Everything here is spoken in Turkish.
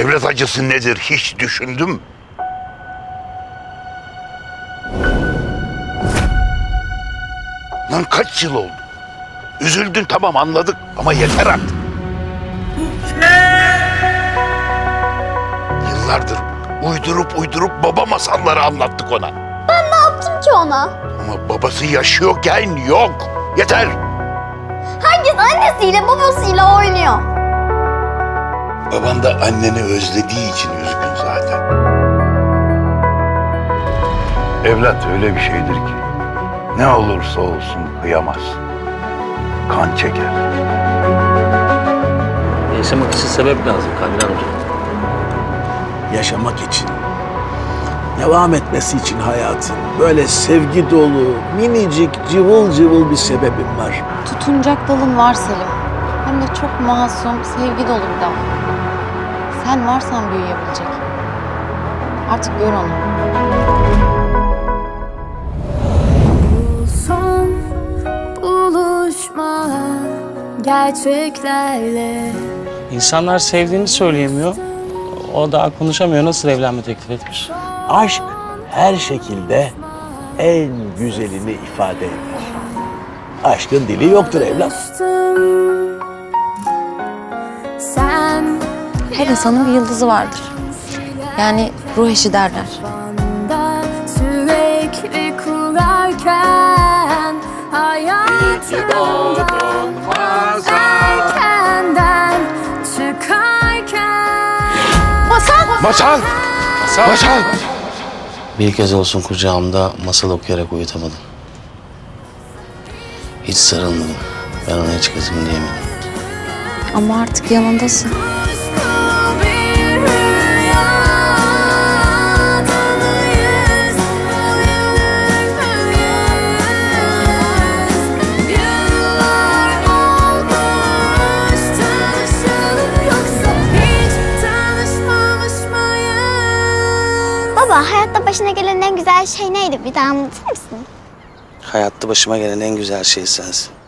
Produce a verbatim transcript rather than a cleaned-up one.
Evlat acısı nedir hiç düşündüm? Lan kaç yıl oldu? Üzüldün tamam anladık ama yeter artık. Yıllardır uydurup uydurup baba masalları anlattık ona. Ben ne yaptım ki ona? Ama babası yaşıyorken yok. Yeter. Herkes annesiyle babasıyla oynuyor. Baban da anneni özlediği için üzgün zaten. Evlat öyle bir şeydir ki ne olursa olsun kıyamaz. Kan çeker. Yaşamak için sebep lazım Kamil amca. Yaşamak için, devam etmesi için hayatın böyle sevgi dolu, minicik, cıvıl cıvıl bir sebebim var. Tutunacak dalın var Selim. Hem de çok masum, sevgi dolu bir dal. Sen varsan büyüyebilecek. Artık gör onu. Son buluşma gerçeklerle. İnsanlar sevdiğini söyleyemiyor. O daha konuşamıyor. Nasıl evlenme teklif etmiş? Aşk her şekilde en güzelini ifade eder. Aşkın dili yoktur evlat. Sen Her insanın bir yıldızı vardır. Yani ruh eşi derler. bana sürekli kurarken hayatımdan erkenden çıkarken Masal! Masal! Masal! Bir kez olsun kucağımda masal okuyarak uyutamadım. Hiç sarılmadım. Ben ona hiç kızım diyemedim. Ama artık yanındasın. bir rüyadayız, yıllar olmuş tanışalı yoksa hiç tanışmamış mıyız? Baba, hayatta başına gelen en güzel şey neydi? Bir daha anlatır mısın? Hayatta başıma gelen en güzel şey sensin.